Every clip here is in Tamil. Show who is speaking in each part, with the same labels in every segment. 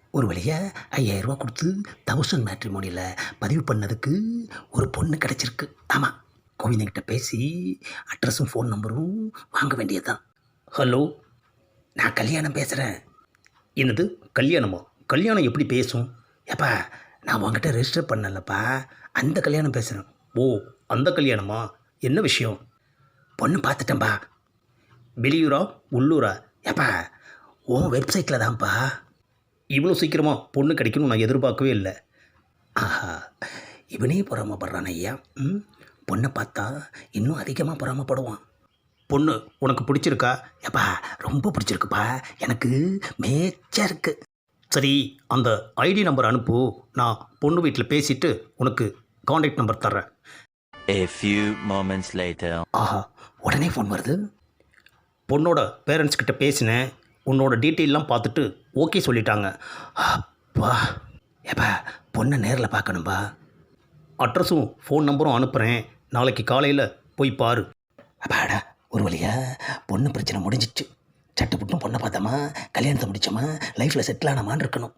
Speaker 1: ஒரு வழியாக 5000 ரூபா கொடுத்து தௌசண்ட் மேட்ரிமோனியில் பதிவு பண்ணதுக்கு ஒரு பொண்ணு கிடச்சிருக்கு. ஆமாம், கோவிந்தங்கிட்ட பேசி அட்ரஸும் ஃபோன் நம்பரும் வாங்க வேண்டியது தான். ஹலோ, நான் கல்யாணம் பேசுகிறேன். என்னது கல்யாணமா? கல்யாணம் எப்படி பேசும்? ஏப்பா, நான் உங்ககிட்ட ரெஜிஸ்டர் பண்ணலப்பா, அந்த கல்யாணம் பேசுகிறேன். ஓ, அந்த கல்யாணமா? என்ன விஷயம்? பொண்ணு பார்த்துட்டேன்பா. வெளியூரா உள்ளூரா? ஏப்பா, உன் வெப்சைட்டில் தான்ப்பா. இவ்வளோ சீக்கிரமாக பொண்ணு கிடைக்கணும் நான் எதிர்பார்க்கவே இல்லை. ஆஹா, இவனே பொறாமப்படுறான் ஐயா. பொண்ணை பார்த்தா இன்னும் அதிகமாக பொறாமப்படுவான். பொண்ணு உனக்கு பிடிச்சிருக்கா? ஏப்பா, ரொம்ப பிடிச்சிருக்குப்பா, எனக்கு மேய்ச்சா இருக்கு. சரி, அந்த ஐடி நம்பர் அனுப்பு, நான் பொண்ணு வீட்டில் பேசிவிட்டு உனக்கு காண்டாக்ட் நம்பர் தர்றேன்.
Speaker 2: A few moments later.
Speaker 1: ஆஹா, உடனே ஃபோன் வருது. பொண்ணோட பேரண்ட்ஸ் கிட்ட பேசினேன், உன்னோட டீட்டெயிலெலாம் பார்த்துட்டு ஓகே சொல்லிட்டாங்க. அப்பா, ஏப்பா, பொண்ணை நேரில் பார்க்கணும்பா. அட்ரஸும் ஃபோன் நம்பரும் அனுப்புகிறேன், நாளைக்கு காலையில் போய் பாரு. அப்பாடா, ஒரு வழியா பொண்ணு பிரச்சனை முடிஞ்சிச்சு. சட்டுப்புட்டும் பொண்ணை பார்த்தோமா, கல்யாணத்தை முடிச்சோமா, லைஃப்பில் செட்டில் ஆனமான்னு இருக்கணும்.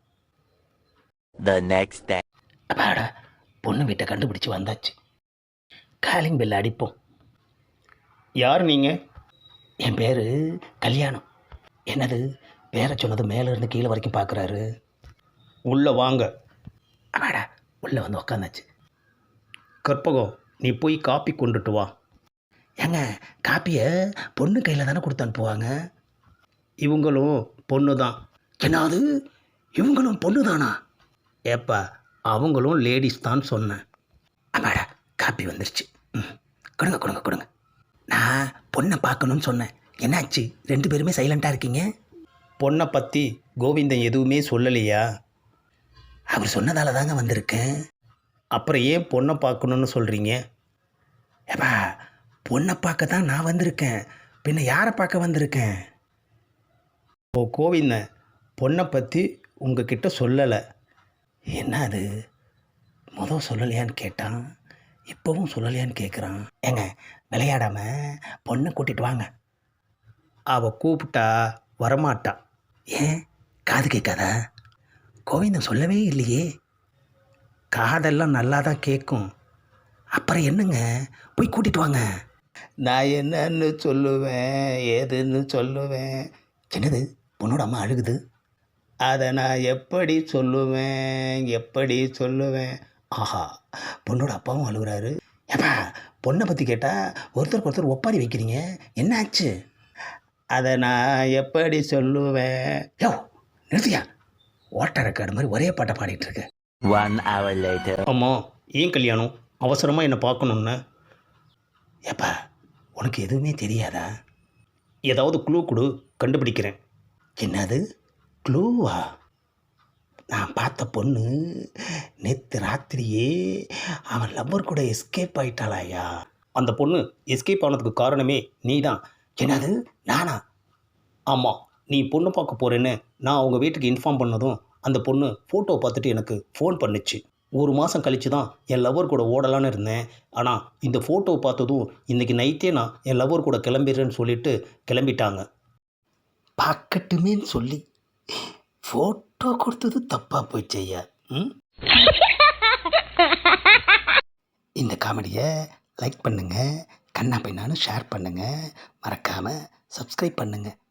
Speaker 2: The next day.
Speaker 1: அப்பாடா, பொண்ணு வீட்டை கண்டுபிடிச்சி வந்தாச்சு. காலிங் பெல் அடிப்போம். யார் நீங்கள்? என் பேர் கல்யாணம். என்னது, பேரை சொன்னது மேலேருந்து கீழே வரைக்கும் பார்க்குறாரு. உள்ளே வாங்க. அப்பாடா, உள்ளே வந்து உக்காந்தாச்சு. கற்பகம், நீ போய் காப்பி கொண்டுட்டு வா. ஏங்க, காப்பியை பொண்ணு கையில் தானே கொடுத்து அனுப்புவாங்க. இவங்களும் பொண்ணு தான். என்னது, இவங்களும் பொண்ணு தானா? ஏப்பா, அவங்களும் லேடிஸ் தான் சொன்னேன். அப்பாடா, காப்பி வந்துருச்சு. கொடுங்க கொடுங்க கொடுங்க. நான் பொண்ணை பார்க்கணுன்னு சொன்னேன், என்னாச்சு? 2 பேருமே சைலண்ட்டாக இருக்கீங்க. பொண்ணை பற்றி கோவிந்தன் எதுவுமே சொல்லலையா? அவர் சொன்னதால தாங்க வந்திருக்கேன். அப்புறம் ஏன் பொண்ணை பார்க்கணுன்னு சொல்கிறீங்க? ஏப்பா, பொண்ணை பார்க்க தான் நான் வந்திருக்கேன், பின்ன யாரை பார்க்க வந்திருக்கேன்? ஓ, கோவிந்தன் பொண்ணை பற்றி உங்ககிட்ட சொல்லலை. என்ன அது, முதல் சொல்லலையான்னு கேட்டான், இப்போவும் சொல்லலையான்னு கேட்குறான். ஏங்க, விளையாடாமல் பொண்ணை கூட்டிகிட்டு வாங்க. அவள் கூப்பிட்டா வரமாட்டா. ஏன், காது கேட்காதா? கோவிந்தன் சொல்லவே இல்லையே. காதெல்லாம் நல்லா தான் கேட்கும். அப்புறம் என்னங்க, போய் கூட்டிகிட்டு வாங்க. நான் என்னன்னு சொல்லுவேன், ஏதுன்னு சொல்லுவேன். என்னது, பொண்ணோட அம்மா அழுகுது. அதை நான் எப்படி சொல்லுவேன்? ஆஹா, பொண்ணோட அப்பாவும் அழுகுறாரு. ஏப்பா, பொண்ணை பற்றி கேட்டால் ஒருத்தருக்கு ஒருத்தர் ஒப்பாரி வைக்கிறீங்க, என்ன ஆச்சு? அதை நான் எப்படி சொல்லுவேன்? யோ, நிறுத்தியா, ஓட்ட ரெக்கார்டு மாதிரி ஒரே பாட்டை பாடிட்டு இருக்கு.
Speaker 2: 1 hour later.
Speaker 1: அம்மா, ஏன் கல்யாணம் அவசரமாக என்னை பார்க்கணுன்னு? ஏப்பா, உனக்கு எதுவுமே தெரியாதா? ஏதாவது க்ளூ கொடு, கண்டுபிடிக்கிறேன். என்னது, க்ளூவா? நான் பார்த்த பொண்ணு நேற்று ராத்திரியே அவன் லவ்வர் கூட எஸ்கேப் ஆயிட்டாளாயா? அந்த பொண்ணு எஸ்கேப் ஆனதுக்கு காரணமே நீ தான். என்னது, நானா? ஆமாம், நீ பொண்ணு பார்க்க போகிறேன்னு நான் அவங்க வீட்டுக்கு இன்ஃபார்ம் பண்ணதும் அந்த பொண்ணு ஃபோட்டோ பார்த்துட்டு எனக்கு ஃபோன் பண்ணுச்சு. 1 மாதம் கழித்து தான் என் லவ்வர் கூட ஓடலான்னு இருந்தேன். ஆனால் இந்த ஃபோட்டோ பார்த்ததும் இன்றைக்கி நைட்டே நான் என் லவ்வர் கூட கிளம்பிடுறேன்னு சொல்லிட்டு கிளம்பிட்டாங்க. பார்க்கட்டுமேன்னு சொல்லி ஃபோட்டோ கொடுத்தது தப்பாக போயிடுச்சு ஐயா. இந்த காமெடியை லைக் பண்ணுங்கள், கண்ணா பையனானு ஷேர் பண்ணுங்கள், மறக்காமல் சப்ஸ்கிரைப் பண்ணுங்கள்.